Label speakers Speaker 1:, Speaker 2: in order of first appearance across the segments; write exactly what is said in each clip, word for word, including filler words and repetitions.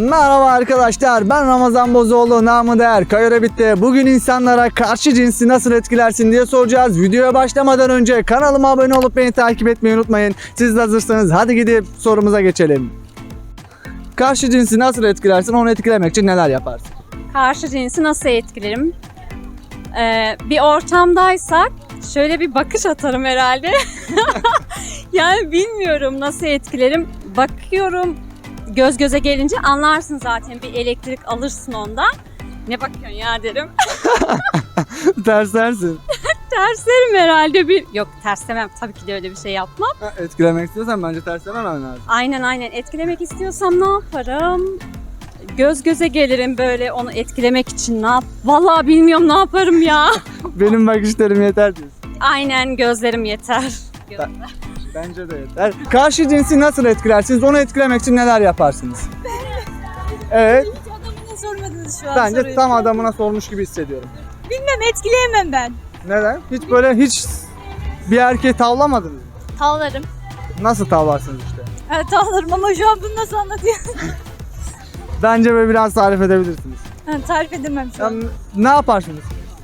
Speaker 1: Merhaba arkadaşlar, ben Ramazan Bozoğlu, namı değer Kayora bitti. Bugün insanlara karşı cinsi nasıl etkilersin diye soracağız. Videoya başlamadan önce kanalıma abone olup beni takip etmeyi unutmayın. Siz de hazırsanız hadi gidip sorumuza geçelim. Karşı cinsi nasıl etkilersin, onu etkilemek için neler yaparsın?
Speaker 2: Karşı cinsi nasıl etkilerim? Ee, bir ortamdaysak şöyle bir bakış atarım herhalde. Yani bilmiyorum nasıl etkilerim. Bakıyorum, göz göze gelince anlarsın zaten, bir elektrik alırsın ondan. Ne bakıyorsun ya derim.
Speaker 1: Terslersin.
Speaker 2: Terslerim herhalde bir. Yok, terslemem. Tabii ki de öyle bir şey yapmam.
Speaker 1: Ha, etkilemek istiyorsan bence terslememen lazım.
Speaker 2: Aynen aynen. Etkilemek istiyorsam ne yaparım? Göz göze gelirim böyle onu etkilemek için. Ne yap? Vallahi bilmiyorum ne yaparım ya.
Speaker 1: Benim bakışlarım yeter diyorsun.
Speaker 2: Aynen, gözlerim yeter. Gözler.
Speaker 1: Bence de yeter. Karşı cinsi nasıl etkilersiniz, onu etkilemek için neler yaparsınız? Evet.
Speaker 3: Hiç adamına sormadınız şu an
Speaker 1: Bence
Speaker 3: soruyu.
Speaker 1: tam adamına sormuş gibi hissediyorum.
Speaker 3: Bilmem, etkileyemem ben.
Speaker 1: Neden? Hiç böyle hiç bir erkeği tavlamadınız mı?
Speaker 3: Tavlarım.
Speaker 1: Nasıl tavlarsınız işte?
Speaker 3: Evet tavlarım ama şu an bunu nasıl anlatayım?
Speaker 1: Bence böyle biraz tarif edebilirsiniz.
Speaker 3: Ha, tarif edemem şu an.
Speaker 1: Yani ne yaparsınız?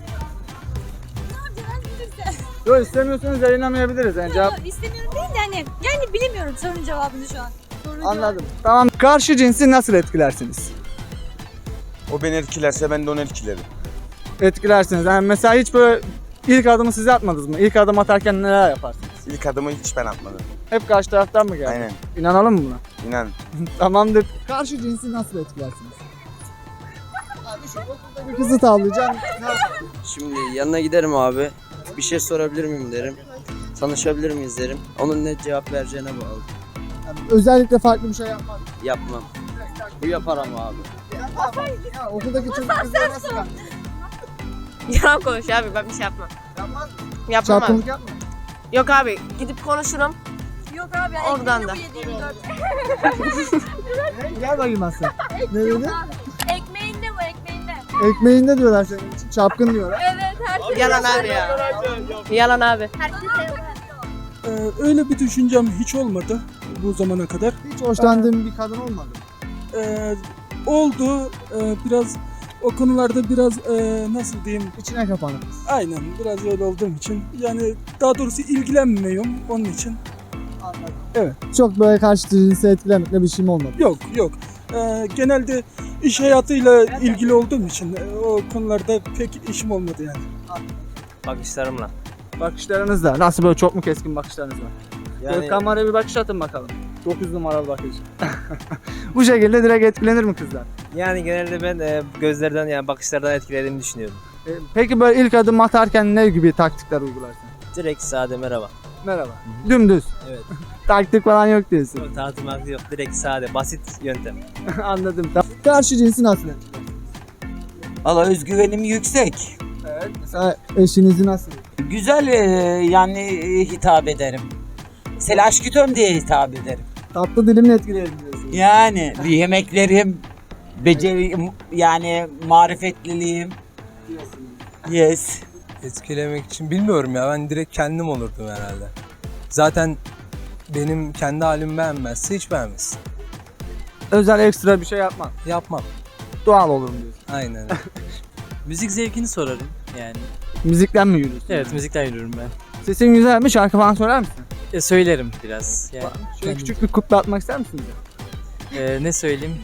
Speaker 1: Yok, istemiyorsanız yayınlamayabiliriz yani cevap.
Speaker 3: Yok, istemiyorum değil de hani yani bilemiyorum sorunun cevabını şu an. Sorunun
Speaker 1: Anladım. Tamam. Karşı cinsi nasıl etkilersiniz?
Speaker 4: O beni etkilerse ben de onu etkilerim.
Speaker 1: Etkilersiniz. Yani mesela hiç böyle ilk adımı siz atmadınız mı? İlk adım atarken neler yaparsınız?
Speaker 4: İlk adımı hiç ben atmadım.
Speaker 1: Hep karşı taraftan mı geldi?
Speaker 4: Aynen.
Speaker 1: İnanalım mı buna?
Speaker 4: İnan.
Speaker 1: Tamamdır. Karşı cinsi nasıl etkilersiniz? Abi şu okulda bir kızı tavlayacağım.
Speaker 5: Şimdi yanına giderim abi. Bir şey sorabilir miyim derim. Tanışabilir miyiz derim. Onun ne cevap vereceğine bağlı.
Speaker 1: Yani özellikle farklı bir şey yapmaz.
Speaker 5: Yapmam. Bu yapar ama abi.
Speaker 1: Ya, okuldaki çocuk kızlar nasıl yapar?
Speaker 6: Yalan konuş abi, ben bir şey yapmam.
Speaker 1: Yapmaz mı?
Speaker 6: Yapmam abi.
Speaker 1: Çapkınlık yapma.
Speaker 6: Yok abi, gidip konuşurum.
Speaker 3: Yok abi.
Speaker 6: Oradan da.
Speaker 1: Gel bakayım Aslan. Ne dedi?
Speaker 3: Ekmeğinde bu, ekmeğinde.
Speaker 1: Ekmeğinde diyorlar senin için. Çapkın diyorlar.
Speaker 3: Evet, herkes.
Speaker 6: Yalan abi ya. Yalan abi.
Speaker 7: Ee, öyle bir düşüncem hiç olmadı bu zamana kadar.
Speaker 1: Hiç hoşlandığın bir kadın olmadı mı?
Speaker 7: Ee, oldu. Ee, biraz o konularda biraz e, nasıl diyeyim?
Speaker 1: İçine kapanık.
Speaker 7: Aynen biraz öyle olduğum için. Yani daha doğrusu ilgilenmiyorum onun için.
Speaker 1: Anladım.
Speaker 7: Evet.
Speaker 1: Çok böyle karşı cinsi etkilemekle bir şeyim olmadı.
Speaker 7: Yok yok. Ee, genelde iş hayatıyla ilgili olduğum için e, o konularda pek işim olmadı yani.
Speaker 5: Bakışlarımla.
Speaker 1: Bakışlarınızda nasıl, böyle çok mu keskin bakışlarınız var?
Speaker 5: Yani
Speaker 1: Böyle kameraya bir bakış atın bakalım. dokuz numaralı bakış. Bu şekilde direkt etkilenir mi kızlar?
Speaker 5: yani genelde ben e, gözlerden yani bakışlardan etkilediğimi düşünüyorum.
Speaker 1: E, peki böyle ilk adım atarken ne gibi taktikler uygularsın?
Speaker 5: Direkt sade merhaba.
Speaker 1: Merhaba. Dümdüz.
Speaker 5: Evet.
Speaker 1: Taktik falan yok diyorsun.
Speaker 5: Yok, tanıtım yok. Direkt sade, basit yöntem.
Speaker 1: Anladım. Karşı cinsi nasıl etkiler?
Speaker 8: Valla özgüvenim yüksek.
Speaker 1: Evet. Mesela eşinizi nasıl?
Speaker 8: Güzel e, yani e, hitap ederim. Mesela aşkütöm diye hitap ederim.
Speaker 1: Tatlı dilimle etkilerim diyorsun.
Speaker 8: Yani bir yemeklerim, beceri yani marifetliliğim. Yes.
Speaker 9: Etkilemek için bilmiyorum ya, ben direkt kendim olurdum herhalde. Zaten benim kendi halimi beğenmezse hiç beğenmez.
Speaker 1: Özel ekstra bir şey yapmam.
Speaker 9: Yapmam.
Speaker 1: Doğal olurum diyorsun.
Speaker 9: Aynen öyle.
Speaker 5: Müzik zevkini sorarım yani.
Speaker 1: Müzikten mi yürüyorsun?
Speaker 5: Evet, müzikten yürüyorum ben.
Speaker 1: Sesin güzel mi? Şarkı falan söyler misin?
Speaker 5: E, söylerim biraz. Yani
Speaker 1: Şöyle küçük bir kuple atmak ister misin bize?
Speaker 5: e, ne söyleyeyim?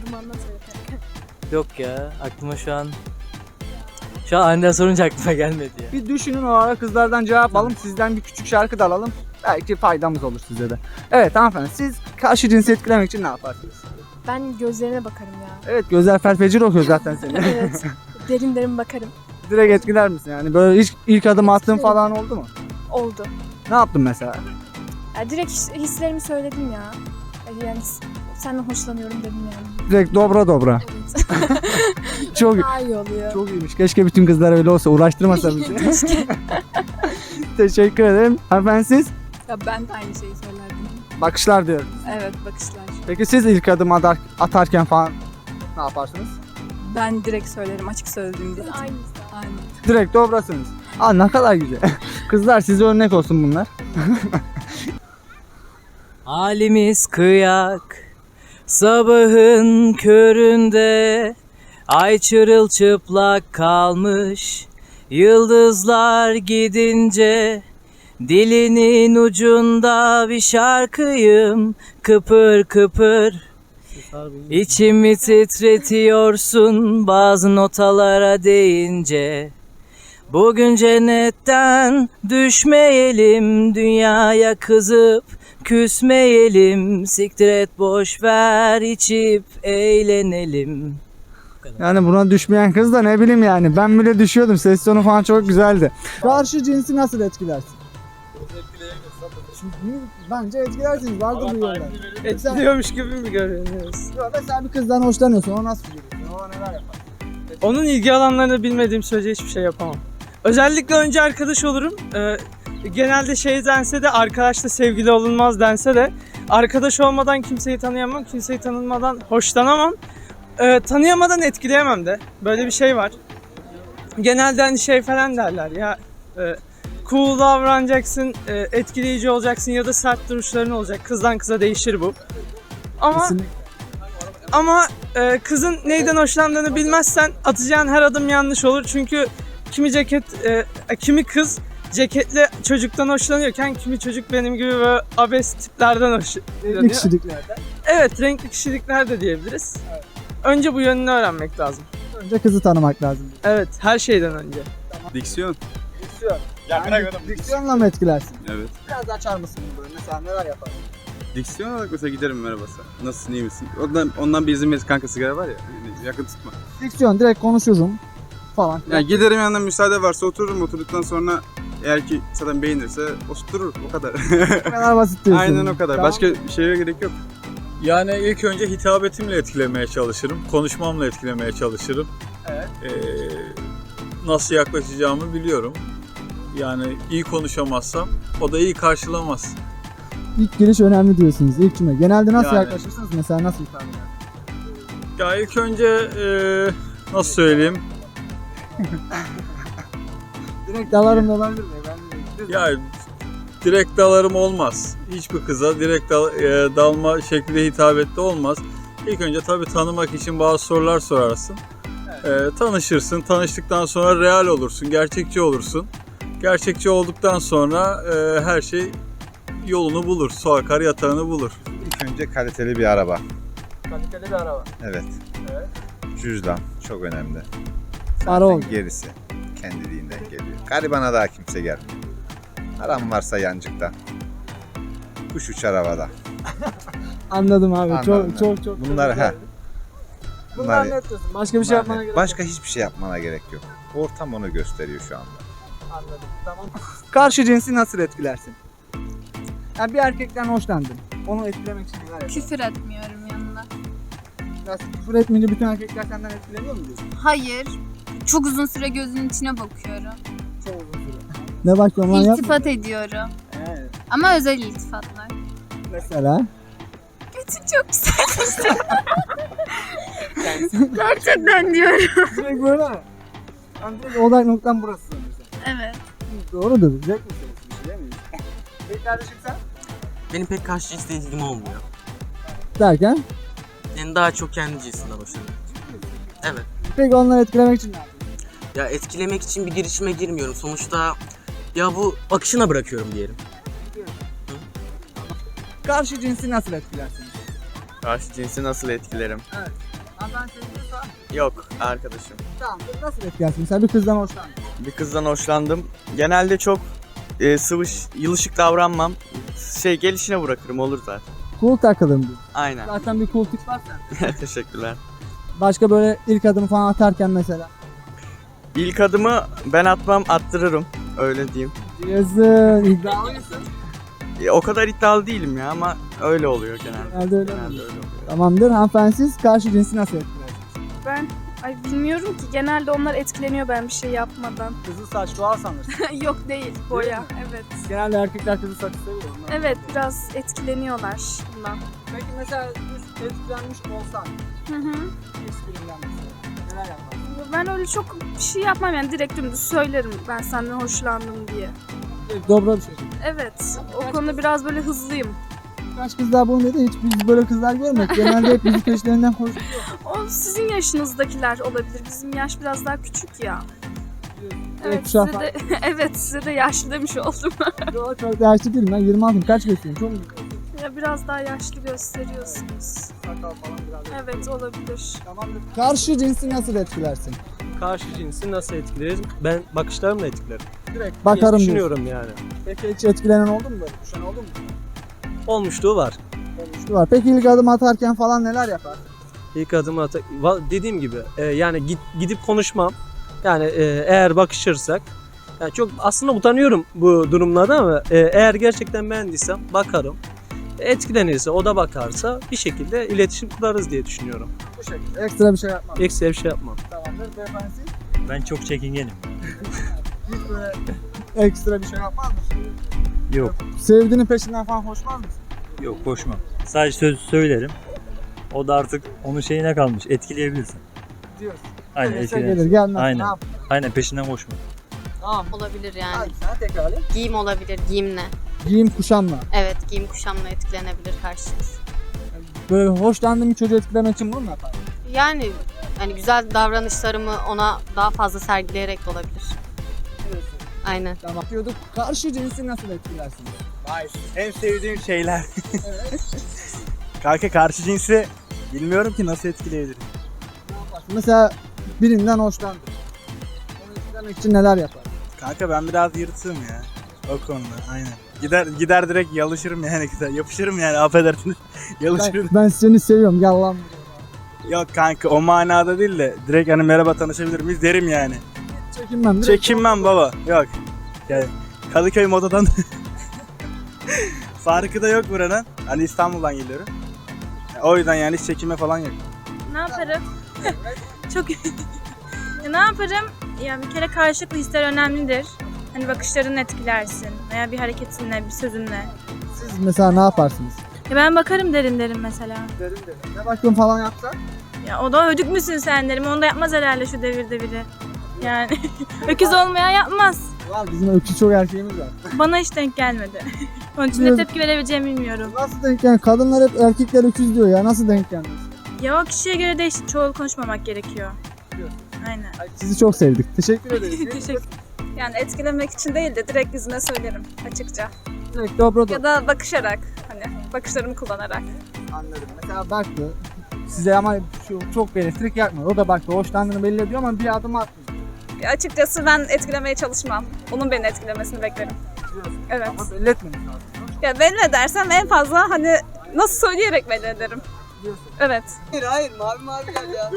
Speaker 5: Yok ya, aklıma şu an şu an aniden sorunca aklıma gelmedi ya.
Speaker 1: Bir düşünün, o ara kızlardan cevap alalım. Sizden bir küçük şarkı da alalım. Belki faydamız olur size de. Evet hanımefendi, siz karşı cinsi etkilemek için ne yaparsınız?
Speaker 10: Ben gözlerine bakarım ya.
Speaker 1: Evet, gözler felfecir okuyor zaten seni.
Speaker 10: Evet. Derin derin bakarım.
Speaker 1: Direkt etkiler misin yani? Böyle hiç ilk adım attığın falan oldu mu?
Speaker 10: Oldu.
Speaker 1: Ne yaptın mesela?
Speaker 10: Ya direkt his- hislerimi söyledim ya. Yani s- senden hoşlanıyorum dedim yani.
Speaker 1: Direkt dobra dobra.
Speaker 10: Evet.
Speaker 1: Çok
Speaker 10: Daha iyi oluyor.
Speaker 1: çok iyiymiş. Keşke bütün kızlar öyle olsa. Uğraştırmasa bizi.
Speaker 10: Keşke.
Speaker 1: Teşekkür ederim. Hanımefendi siz?
Speaker 10: Ya ben de aynı şeyi söylerdim.
Speaker 1: Bakışlar diyorum.
Speaker 10: Evet, bakışlar.
Speaker 1: Peki siz ilk adım atar, atarken falan ne yaparsınız?
Speaker 10: Ben direkt söylerim, açık söylediğim gibi. Aynı. Aynı.
Speaker 1: Direkt dobrasınız. Aa, ne kadar güzel. Kızlar size örnek olsun bunlar.
Speaker 5: Halimiz kıyak,
Speaker 11: Sabahın köründe ay çırılçıplak kalmış. Yıldızlar gidince dilinin ucunda bir şarkıyım kıpır kıpır. İçimi titretiyorsun bazı notalara değince. Bugün cennetten düşmeyelim, dünyaya kızıp küsmeyelim. Siktir et boş ver, içip eğlenelim.
Speaker 1: Yani buna düşmeyen kız da ne bileyim yani. Ben bile düşüyordum. Ses tonu falan çok güzeldi. Karşı cinsi nasıl etkilersin? Çünkü bence etkilersiniz. Vardır bir yollar.
Speaker 12: Etkiliyormuş gibi mi görünüyoruz?
Speaker 1: Mesela bir kızdan hoşlanıyorsun. O nasıl görüyorsun? O neler yapar?
Speaker 12: Onun ilgi alanlarını bilmediğim sürece hiçbir şey yapamam. Özellikle önce arkadaş olurum. Ee, genelde şey dense de arkadaşla sevgili olunmaz dense de arkadaş olmadan kimseyi tanıyamam, kimseyi tanınmadan hoşlanamam. Ee, tanıyamadan etkileyemem de. Böyle bir şey var. Genelde hani şey falan derler ya e, cool davranacaksın, e, etkileyici olacaksın ya da sert duruşların olacak. Kızdan kıza değişir bu. Ama
Speaker 1: Kesinlikle.
Speaker 12: ama e, kızın neyden hoşlandığını bilmezsen atacağın her adım yanlış olur. Çünkü kimi ceket, e, kimi kız ceketli çocuktan hoşlanıyorken kimi çocuk benim gibi böyle abes tiplerden hoşlanıyor.
Speaker 1: Renkli kişiliklerden.
Speaker 12: Evet, renkli kişilikler de diyebiliriz.
Speaker 1: Evet.
Speaker 12: Önce bu yönünü öğrenmek lazım.
Speaker 1: Önce kızı tanımak lazım.
Speaker 12: Evet, her şeyden önce.
Speaker 4: Diksiyon.
Speaker 1: Diksiyon. Yani diksiyonla mı etkilersin?
Speaker 4: Evet.
Speaker 1: Biraz açar mısın bunu böyle? Mesela neler yaparsın?
Speaker 4: Diksiyon olarak mesela giderim merhaba sen. Nasılsın, iyi misin? Ondan, ondan bir izin verir kanka sigara var ya. Yani yakın tutma.
Speaker 1: Diksiyon direkt konuşurum falan.
Speaker 4: Yani giderim yanından müsaade varsa otururum. Oturduktan sonra eğer ki zaten beğenirse oturur. O kadar.
Speaker 1: Bu kadar basit diyorsun.
Speaker 4: Aynen o kadar.
Speaker 1: Tamam.
Speaker 4: Başka bir şeye gerek yok.
Speaker 13: Yani ilk önce hitabetimle etkilemeye çalışırım. Konuşmamla etkilemeye çalışırım.
Speaker 1: Evet.
Speaker 13: Ee, nasıl yaklaşacağımı biliyorum. Yani iyi konuşamazsam o da iyi karşılamaz.
Speaker 1: İlk giriş önemli diyorsunuz. İlk cümle. Genelde nasıl
Speaker 13: Yani.
Speaker 1: yaklaşırsınız? Mesela nasıl ifade edersiniz?
Speaker 13: Ya ilk önce ee, nasıl söyleyeyim?
Speaker 1: Direkt dalarım da olabilir mi? Ben de-
Speaker 13: Ya direkt dalarım olmaz. Hiçbir kıza direkt dal- e, dalma şekilde hitabette olmaz. İlk önce tabii tanımak için bazı sorular sorarsın. E, tanışırsın. Tanıştıktan sonra real olursun, gerçekçi olursun. Gerçekçi olduktan sonra e, her şey yolunu bulur. Su akar yatağını bulur.
Speaker 14: İlk önce kaliteli bir araba.
Speaker 12: Kaliteli bir araba.
Speaker 14: Evet.
Speaker 12: Evet.
Speaker 14: Cüzdan çok önemli.
Speaker 1: Para oldu.
Speaker 14: Gerisi kendiliğinden geliyor. Garibana daha kimse gelmiyor. Param varsa yancıkta. Kuş uçar havada.
Speaker 1: Anladım abi.
Speaker 14: Anladım
Speaker 1: çok çok çok.
Speaker 14: Bunlar
Speaker 1: çok
Speaker 14: he.
Speaker 1: Bunlar
Speaker 14: Bunlar,
Speaker 1: net diyorsun. Başka bir şey yapmana
Speaker 14: bunlar-
Speaker 1: gerek
Speaker 14: Başka
Speaker 1: yok.
Speaker 14: hiçbir şey yapmana gerek yok. Ortam onu gösteriyor şu anda.
Speaker 1: Anladım. Tamam. Karşı cinsi nasıl etkilersin? Yani bir erkekten hoşlandın. Onu etkilemek için neler yaparsın?
Speaker 10: Küfür etmiyorum yanında.
Speaker 1: Nasıl küfür etmeyince bütün erkekler senden etkileniyor mu diyorsun?
Speaker 10: Hayır. Çok uzun süre gözünün içine bakıyorum.
Speaker 1: Çok uzun süre. Ne bakıyorsun lan yapma.
Speaker 10: İltifat ediyorum.
Speaker 1: Evet.
Speaker 10: Ama özel iltifatlar.
Speaker 1: Mesela?
Speaker 10: Götün çok güzel. Gerçekten diyorum.
Speaker 1: Direkt böyle mi? Yani direkt odak noktam burası mesela.
Speaker 10: Evet.
Speaker 1: Doğrudur. Zevk meselesi bir şey değil mi? Peki kardeşim sen?
Speaker 11: Benim pek karşı cinsle ilgim olmuyor.
Speaker 1: Derken?
Speaker 11: Yani daha çok kendi cinsinden hoşlanıyorum. Evet.
Speaker 1: Peki onları etkilemek için ne yapıyorsun?
Speaker 11: Ya etkilemek için bir girişime girmiyorum. Sonuçta ya bu akışına bırakıyorum diyelim.
Speaker 1: Karşı cinsi nasıl etkilersin?
Speaker 5: Karşı cinsi nasıl etkilerim?
Speaker 1: Evet. Hanımefendi seviyorsa
Speaker 5: Yok, arkadaşım.
Speaker 1: tamam. Nasıl etkilersin? Mesela bir kızdan hoşlandın.
Speaker 5: Bir kızdan hoşlandım. Genelde çok e, sıvış, yılışık davranmam. Şey gelişine bırakırım olur zaten.
Speaker 1: Cool takılırım diyor.
Speaker 5: Aynen.
Speaker 1: Zaten bir cool tip var sen.
Speaker 5: Teşekkürler.
Speaker 1: Başka böyle ilk adımı falan atarken mesela.
Speaker 5: İlk adımı ben atmam, attırırım. Öyle diyeyim.
Speaker 1: Yazın. İddialı mısın?
Speaker 5: E, o kadar iddialı değilim ya ama öyle oluyor genelde.
Speaker 1: Genelde öyle
Speaker 5: Genelde
Speaker 1: oluyor.
Speaker 5: öyle oluyor.
Speaker 1: Tamamdır. Hanımefendi siz karşı cinsi nasıl etkilersiniz?
Speaker 10: Ben ay bilmiyorum ki. Genelde onlar etkileniyor ben bir şey yapmadan.
Speaker 1: Kızıl saç doğal sanırsın.
Speaker 10: Yok değil. Boya. Evet.
Speaker 1: Genelde erkekler kızıl saçı seviyor. Onlar.
Speaker 10: Evet biraz etkileniyorlar bundan.
Speaker 1: Peki mesela üst etkilenmiş olsan.
Speaker 10: Hı hı.
Speaker 1: Esprinden mesela. Neler yaparsın?
Speaker 10: Ben öyle çok bir şey yapmam yani direkt dümdüz söylerim ben senden hoşlandım diye.
Speaker 1: Direkt dobra bir şekilde.
Speaker 10: Evet o konuda biraz böyle hızlıyım.
Speaker 1: Birkaç kızlar bunu dedi. Hiç biz böyle kızlar görmedik. Genelde hep bizi peşlerinden koşuyor.
Speaker 10: O sizin yaşınızdakiler olabilir. Bizim yaş biraz daha küçük ya. Evet,
Speaker 1: kuşağı
Speaker 10: size de, evet size de yaşlı demiş oldum.
Speaker 1: Yok çok da yaşlı değilim ben yirmi altıyım. Kaç gösteriyorum? Çok mu?
Speaker 10: Ya biraz daha yaşlı gösteriyorsunuz.
Speaker 1: Sakal falan biraz.
Speaker 10: Evet olabilir.
Speaker 1: Tamamdır. Karşı cinsi nasıl etkilersin?
Speaker 12: Karşı cinsi nasıl etkileriz? Ben bakışlarımla etkilerim.
Speaker 1: Direkt bakarım diyorsun.
Speaker 12: Düşünüyorum yani.
Speaker 1: Peki hiç etkilenen oldu mu böyle? Düşen oldu mu?
Speaker 12: Olmuşluğu var.
Speaker 1: Olmuştu var. Peki ilk adım atarken falan neler yapar?
Speaker 12: İlk adımı ata- Va- dediğim gibi e, yani git, gidip konuşmam. Yani e, eğer bakışırsak yani çok aslında utanıyorum bu durumlarda ama e, eğer gerçekten beğendiysem bakarım. Etkilenirse o da bakarsa bir şekilde iletişim kurarız diye düşünüyorum.
Speaker 1: Bu şekilde. Ekstra bir şey yapmam.
Speaker 12: Ekstra bir şey yapmam.
Speaker 1: Tamamdır. Beyefendi
Speaker 15: Ben çok çekingenim.
Speaker 1: hiç böyle ekstra bir şey yapmaz mısın?
Speaker 15: Yok.
Speaker 1: Sevdiğinin peşinden falan koşmaz mısın?
Speaker 15: Yok koşmam. Sadece söz söylerim. O da artık onun şeyine kalmış. Etkileyebilirsin.
Speaker 1: Diyorsun.
Speaker 15: Aynen
Speaker 1: Gelirse
Speaker 15: etkileyebilirsin.
Speaker 1: gelir gelmez. Ne
Speaker 15: Aynen.
Speaker 1: yap?
Speaker 15: Aynen peşinden koşma.
Speaker 1: Tamam.
Speaker 16: Olabilir yani.
Speaker 1: Hadi sana tekrarla.
Speaker 16: Giyim olabilir, giyimle.
Speaker 1: Giyim kuşamla.
Speaker 16: Evet, giyim kuşamla etkilenebilir karşınız.
Speaker 1: Böyle hoşlandığım bir çocuğu etkilemek için bunu mu yapar?
Speaker 16: Yani hani güzel davranışlarımı ona daha fazla sergileyerek de olabilir. Aynen.
Speaker 1: Tamam. Diyorduk. Karşı cinsi nasıl etkilersiniz?
Speaker 17: Vay, en sevdiğim şeyler. Kanka karşı cinsi bilmiyorum ki nasıl etkileyebilirim.
Speaker 1: Mesela birinden hoşlandın. Onu etkilemek için neler yapar?
Speaker 17: Kanka ben biraz yırtığım ya. O konuda aynen. Gider gider direkt yalışırım yani gider. Yapışırım yani affedersiniz. Yalışırım.
Speaker 1: Ben, ben seni seviyorum gel lan.
Speaker 17: Yok kanka o manada değil de direkt hani merhaba tanışabilir miyiz derim yani.
Speaker 1: Çekinmem. direkt-
Speaker 17: Çekinmem baba. Yok. Yani Kadıköy modadan farkı da yok buranın. Hani İstanbul'dan geliyorum. O yüzden yani hiç çekinme falan yok.
Speaker 10: Ne yaparım? Çok Ya ne yaparım? Ya bir kere karşılıklı hisler önemlidir. Hani bakışlarını etkilersin veya bir hareketinle, bir sözünle.
Speaker 1: Siz mesela ne yaparsınız?
Speaker 10: Ya ben bakarım derim derim mesela.
Speaker 1: Derim derim. Ne bakım falan yapsan?
Speaker 10: Ya o da ödük müsün sen derim. Onu da yapmaz herhalde şu devirde biri. Yani öküz olmayan yapmaz.
Speaker 1: Var bizim öküz çok erkeğimiz var.
Speaker 10: Bana hiç denk gelmedi. Onun için ne tepki verebileceğimi bilmiyorum.
Speaker 1: Nasıl denk yani? Kadınlar hep erkekler öküz diyor ya. Nasıl denk geldiniz?
Speaker 10: Ya o kişiye göre değişik. Çoğul konuşmamak gerekiyor. Aynen.
Speaker 1: Sizi çok sevdik. Teşekkür ederiz.
Speaker 10: Teşekkür.
Speaker 2: Yani etkilemek için değil de direkt yüzüne söylerim açıkça.
Speaker 1: Direkt dobro
Speaker 2: Ya da bakışarak, hani bakışlarımı kullanarak.
Speaker 1: Anladım. Mesela baktı. Size ama şu çok bir elektrik yakmıyor. O da baktı. Hoşlandığını belli ediyor ama bir adım atmıyor.
Speaker 2: Ya açıkçası ben etkilemeye çalışmam. Onun beni etkilemesini beklerim. Evet.
Speaker 1: Ama belli etmemiş lazım.
Speaker 2: Ya belli edersem en fazla hani nasıl söyleyerek belli ederim. Evet.
Speaker 1: Hayır hayır mavi mavi gel ya.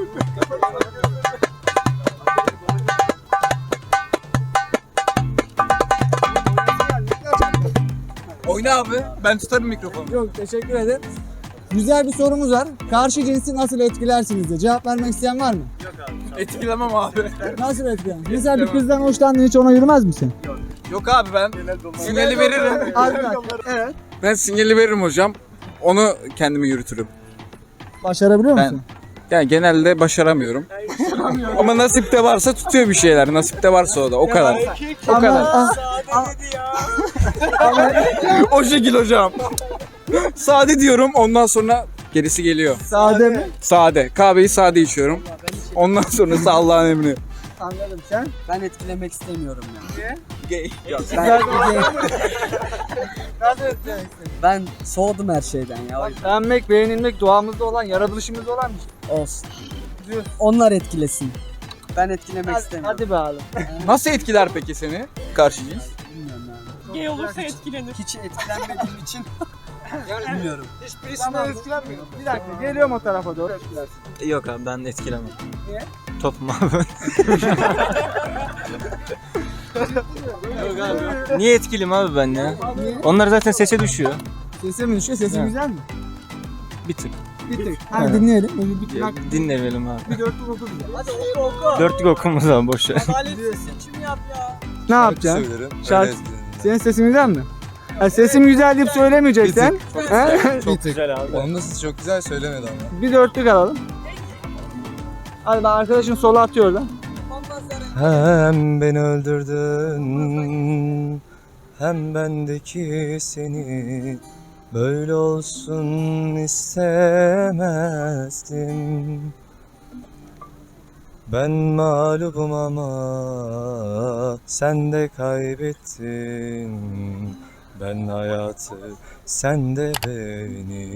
Speaker 9: Oyna abi. Ben tutarım mikrofonu.
Speaker 1: Yok teşekkür ederim. Güzel bir sorumuz var. Karşı cinsi nasıl etkilersiniz diye. Cevap vermek isteyen var mı?
Speaker 9: Yok abi. Etkilemem abi.
Speaker 1: Nasıl etkiler? Mesela bir kızdan hoşlandın hiç ona yürümez misin?
Speaker 9: Yok abi ben sinyali veririm.
Speaker 1: Arkadaşlar evet.
Speaker 9: Ben sinyali veririm hocam. Onu kendimi yürütürüm.
Speaker 1: Başarabiliyor
Speaker 9: Ben-
Speaker 1: musun?
Speaker 9: Yani genelde başaramıyorum. Ama nasipte varsa tutuyor bir şeyler. Nasipte varsa o da. O kadar. O
Speaker 1: Ama-
Speaker 9: kadar.
Speaker 1: Ama-
Speaker 9: O şekil hocam. Sade diyorum. Ondan sonra gerisi geliyor.
Speaker 1: Sade mi?
Speaker 9: Sade. Kahveyi sade içiyorum. Ondan sonrası Allah'ın emri.
Speaker 1: Anladım sen.
Speaker 5: Ben etkilemek istemiyorum ya.
Speaker 9: Gay.
Speaker 1: Ben, Nasıl etkilemek istiyorsun?
Speaker 5: Ben soğudum her şeyden ya. o yüzden.
Speaker 1: Beğenmek, beğenilmek doğamızda olan, yaratılışımızda olan bir şey.
Speaker 5: Olsun. Onlar etkilesin. Ben etkilemek
Speaker 1: Hadi,
Speaker 5: istemiyorum.
Speaker 1: hadi be abi.
Speaker 9: Nasıl etkiler peki seni karşı cins?
Speaker 5: Bilmiyorum yani.
Speaker 12: Gay olursa etkilenir.
Speaker 5: Hiç etkilenmediğim için bilmiyorum.
Speaker 1: Hiçbirisinden etkilenmiyor. Bir dakika geliyorum o tarafa doğru etkilersin.
Speaker 15: Yok abi ben etkilemem.
Speaker 1: Niye?
Speaker 15: Topum abi. Niye etkiliyim abi ben ya?
Speaker 1: Niye?
Speaker 15: Onlar zaten sese düşüyor.
Speaker 1: Sesi mi düşüyor? Sesin
Speaker 15: Evet.
Speaker 1: güzel mi?
Speaker 15: Bir tık.
Speaker 1: Bir tık. Hadi
Speaker 15: Evet.
Speaker 1: dinleyelim. Bir, bir,
Speaker 15: Ya,
Speaker 1: bak,
Speaker 15: dinlemeyelim abi.
Speaker 1: bir dörtlük oku bize. Hadi oku oku.
Speaker 15: Dörtlük okumuz abi boş ver.
Speaker 5: Seçim yap ya.
Speaker 1: Ne yapacaksın?
Speaker 9: Söylerim.
Speaker 1: Şarkı. Senin sesin güzel mi? Ha, sesim güzel deyip söylemeyeceksen. He?
Speaker 15: Çok güzel abi.
Speaker 9: Onun nasıl çok güzel söylemedi ama.
Speaker 1: Bir dörtlük alalım. Hadi ben arkadaşın sola atıyor oradan.
Speaker 15: Hem beni öldürdün hem bendeki seni
Speaker 9: Böyle olsun istemezdim. Ben mağlubum ama sen de kaybettin. Ben hayatı, sen de beni.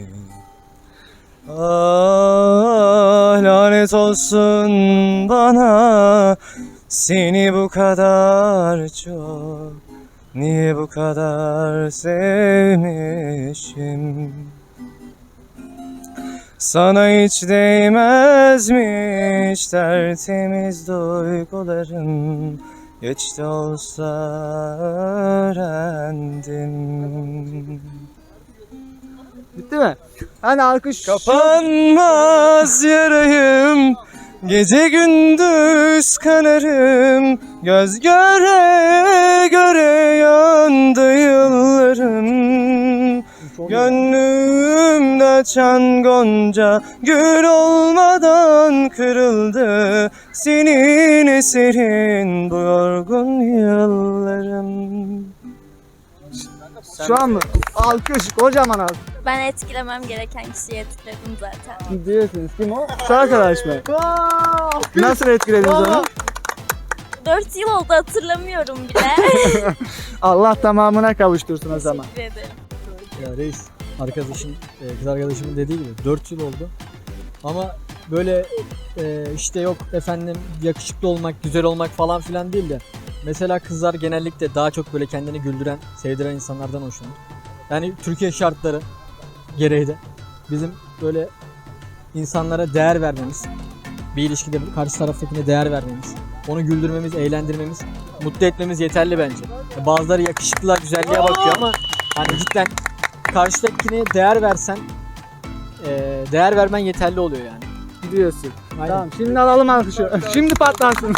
Speaker 9: Ah, lanet olsun bana, seni bu kadar çok, niye bu kadar sevmişim. Sana hiç değmezmiş tertemiz duygularım, geç de olsa öğrendim.
Speaker 1: Bitti mi? Hani alkış.
Speaker 9: Kapanmaz yarayım, gece gündüz kanarım, göz göre göre yandı yıllarım. Gönlümde açan gonca gül olmadan kırıldı, senin eserin bu yorgun yıllarım.
Speaker 1: Şu an mı? Alkış, kocaman alkış.
Speaker 18: Ben etkilemem gereken kişiyi etkiledim zaten.
Speaker 1: Diyorsunuz. Kim o? Şu arkadaş mı? Nasıl etkilediniz onu?
Speaker 18: dört yıl oldu, hatırlamıyorum bile.
Speaker 1: Allah tamamına kavuştursun o zaman.
Speaker 18: Teşekkür ederim.
Speaker 19: Ya reis, arkadaşım, e, kız arkadaşımın dediği gibi dört yıl oldu. Ama böyle e, işte yok efendim yakışıklı olmak, güzel olmak falan filan değil de mesela kızlar genellikle daha çok böyle kendini güldüren, sevdiren insanlardan hoşlanır. Yani Türkiye şartları gereği de bizim böyle insanlara değer vermemiz, bir ilişkide karşı taraftakine değer vermemiz, onu güldürmemiz, eğlendirmemiz, mutlu etmemiz yeterli bence. Bazıları yakışıklılar, güzelliğe bakıyor ama hani cidden karşıdakine değer versen, e, değer vermen yeterli oluyor yani.
Speaker 1: Diyorsun.
Speaker 19: Aynen.
Speaker 1: Tamam, şimdi alalım alkışı. Şimdi patlansın.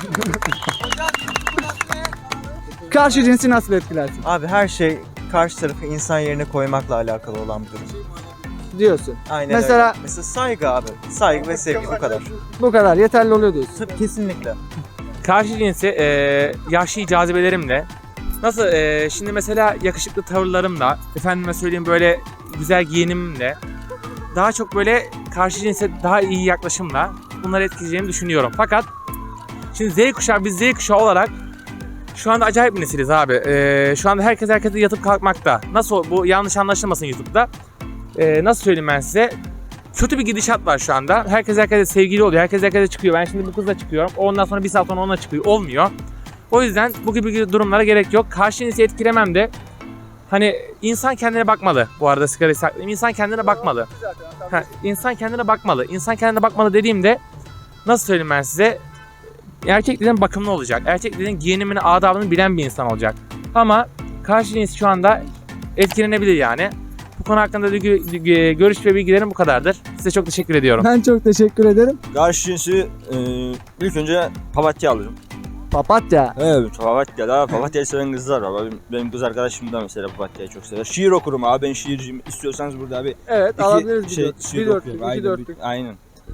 Speaker 1: Karşı cinsi nasıl etkilersin?
Speaker 20: Abi her şey karşı tarafı insan yerine koymakla alakalı olan bir durum.
Speaker 1: Diyorsun.
Speaker 20: Aynen
Speaker 1: Mesela-
Speaker 20: öyle. Mesela saygı abi. Saygı ve sevgi bu kadar.
Speaker 1: Bu kadar yeterli oluyor diyorsun.
Speaker 20: Tabii kesinlikle.
Speaker 21: Karşı cinsi e, yahşi cazibelerimle, nasıl e, şimdi mesela yakışıklı tavırlarımla, efendime söyleyeyim böyle güzel giyinimimle, daha çok böyle karşı cinse daha iyi yaklaşımla bunları etkileyeceğimi düşünüyorum. Fakat şimdi Z kuşağı, biz Z kuşağı olarak şu anda acayip bir nesiliz abi. E, şu anda herkes herkese yatıp kalkmakta. Nasıl, bu yanlış anlaşılmasın YouTube'da. E, nasıl söyleyeyim ben size? Kötü bir gidişat var şu anda. Herkes herkese sevgili oluyor. Herkes herkese çıkıyor. Ben şimdi bu kızla çıkıyorum. Ondan sonra bir saat sonra onunla çıkıyor. Olmuyor. O yüzden bu gibi durumlara gerek yok. Karşı cinsi etkilemem de hani insan kendine bakmalı. Bu arada sigarayı saklayayım. İnsan kendine bakmalı. Ha, insan kendine bakmalı. İnsan kendine bakmalı dediğimde nasıl söyleyeyim ben size? Erkek dediğin bakımlı olacak. Erkek dediğin giyinimini, adabını bilen bir insan olacak. Ama karşı cins şu anda etkilenebilir yani. Bu konu hakkında da görüş ve bilgilerim bu kadardır. Size çok teşekkür ediyorum.
Speaker 1: Ben çok teşekkür ederim.
Speaker 22: Karşı cinsi e, ilk önce papatya alırım.
Speaker 1: Papatya?
Speaker 22: Evet, papatya da papatyayı seven kızlar var. Benim, benim kız arkadaşım da mesela papatyayı çok sever. Şiir okurum abi, ben şiirciyim. İstiyorsanız burada abi
Speaker 1: Evet,
Speaker 22: iki
Speaker 1: alabiliriz bir
Speaker 22: şey,
Speaker 1: dört-
Speaker 22: şiir
Speaker 1: bir dörtlük,
Speaker 22: okuyorum.
Speaker 1: iki
Speaker 22: Aynen,
Speaker 1: dörtlük.
Speaker 22: bir- aynen.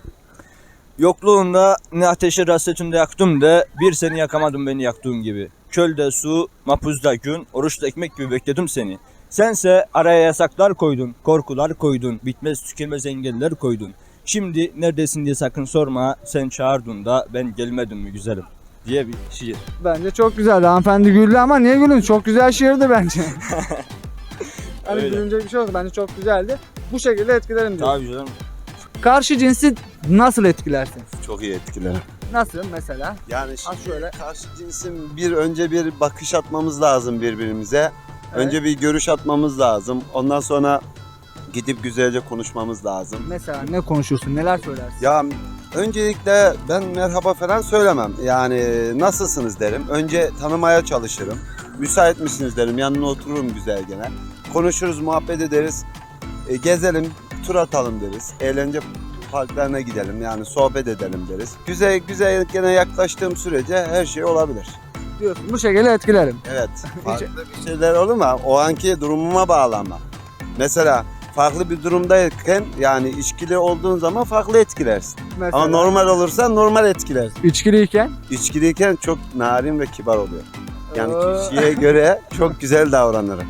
Speaker 22: Yokluğunda ne ateşe hasretinde yaktım de bir seni yakamadım beni yaktığın gibi. Çölde su, mapuzda gün, oruçta ekmek gibi bekledim seni. Sense araya yasaklar koydun, korkular koydun, bitmez tükenmez engeller koydun. Şimdi neredesin diye sakın sorma, sen çağırdın da ben gelmedim mi güzelim diye bir şiir.
Speaker 1: Bence çok güzeldi. Hanımefendi güldü ama niye gülün? Çok güzel şiirdi bence. Hani
Speaker 22: Öyle.
Speaker 1: gülünecek bir şey oldu. Bence çok güzeldi. Bu şekilde etkilerim diyor.
Speaker 22: Tabii canım.
Speaker 1: Karşı cinsi nasıl etkilersin?
Speaker 23: Çok iyi etkilerim.
Speaker 1: Nasıl mesela?
Speaker 23: Yani şimdi
Speaker 1: şöyle.
Speaker 23: karşı cinsin bir önce bir bakış atmamız lazım birbirimize. Önce bir görüş atmamız lazım. Ondan sonra gidip güzelce konuşmamız lazım.
Speaker 1: Mesela ne konuşursun? Neler söylersin?
Speaker 23: Ya öncelikle ben merhaba falan söylemem. Yani nasılsınız derim. Önce tanımaya çalışırım. Müsait misiniz derim. Yanına otururum güzel gene. Konuşuruz, muhabbet ederiz. E, gezelim, tur atalım deriz. Eğlence parklarına gidelim, yani sohbet edelim deriz. Güzel güzel gene yaklaştığım sürece her şey olabilir.
Speaker 1: Diyorsun. Bu şekilde etkilerim.
Speaker 23: Evet. Farklı bir şeyler olur mu? O anki durumuma bağlanma. Mesela farklı bir durumdayken, yani içkili olduğun zaman farklı etkilersin.
Speaker 1: Mesela?
Speaker 23: Ama normal olursan normal etkilersin.
Speaker 1: İçkiliyken?
Speaker 23: İçkiliyken çok narin ve kibar oluyor. Yani
Speaker 1: Oo.
Speaker 23: kişiye göre çok güzel davranırım.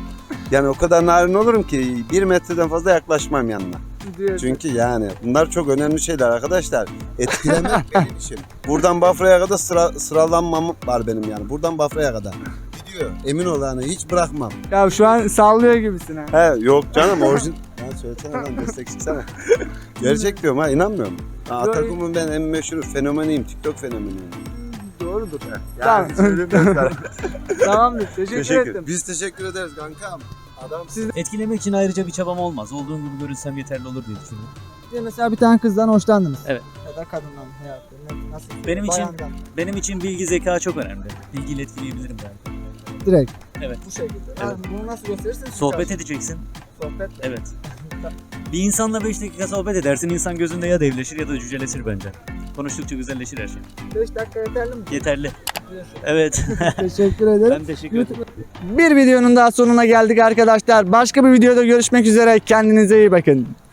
Speaker 23: Yani o kadar narin olurum ki bir metreden fazla yaklaşmam yanına. Çünkü yani bunlar çok önemli şeyler arkadaşlar. Etkilemek benim işim. Buradan Bafra'ya kadar sıra, sıralanmam var benim yani. Buradan Bafra'ya kadar. Gidiyor. Emin ol yani hiç bırakmam.
Speaker 1: Ya şu an sallıyor gibisin ha.
Speaker 23: He yok canım orijin... Ya söylesene lan destek çıksana. Gerçek diyorum ha inanmıyorum. Ha, Atakum'un ben en meşhur fenomeniyim. TikTok fenomeniyim.
Speaker 1: Doğrudur.
Speaker 23: Yani
Speaker 1: Tamam.
Speaker 23: söylemiyorum.
Speaker 1: Tamamdır. Teşekkür,
Speaker 23: Teşekkür
Speaker 1: ettim.
Speaker 23: Biz teşekkür ederiz kankam. Adam
Speaker 1: Siz
Speaker 3: Etkilemek için ayrıca bir çabam olmaz. Olduğum gibi görünsem yeterli olur diye düşünüyorum.
Speaker 1: de mesela bir tane kızdan hoşlandınız.
Speaker 3: Evet.
Speaker 1: Ya da kadından hayatta. Nasıl?
Speaker 3: Benim için
Speaker 1: Bayandan.
Speaker 3: benim için bilgi zeka çok önemli. Bilgiyle etkileyebilirim ben.
Speaker 1: Direkt.
Speaker 3: Evet.
Speaker 1: Bu şekilde.
Speaker 3: Evet.
Speaker 1: Yani bunu nasıl gösterirsin?
Speaker 3: Sohbet edeceksin.
Speaker 1: Sohbet.
Speaker 3: Evet. Bir insanla beş dakika sohbet edersin. İnsan gözünde ya devleşir ya da cüceleşir bence. Konuştukça güzelleşir her şey.
Speaker 1: beş dakika yeterli mi?
Speaker 3: Yeterli. Evet.
Speaker 1: Teşekkür ederim.
Speaker 3: Ben teşekkür ederim.
Speaker 1: Bir videonun daha sonuna geldik arkadaşlar. Başka bir videoda görüşmek üzere. Kendinize iyi bakın.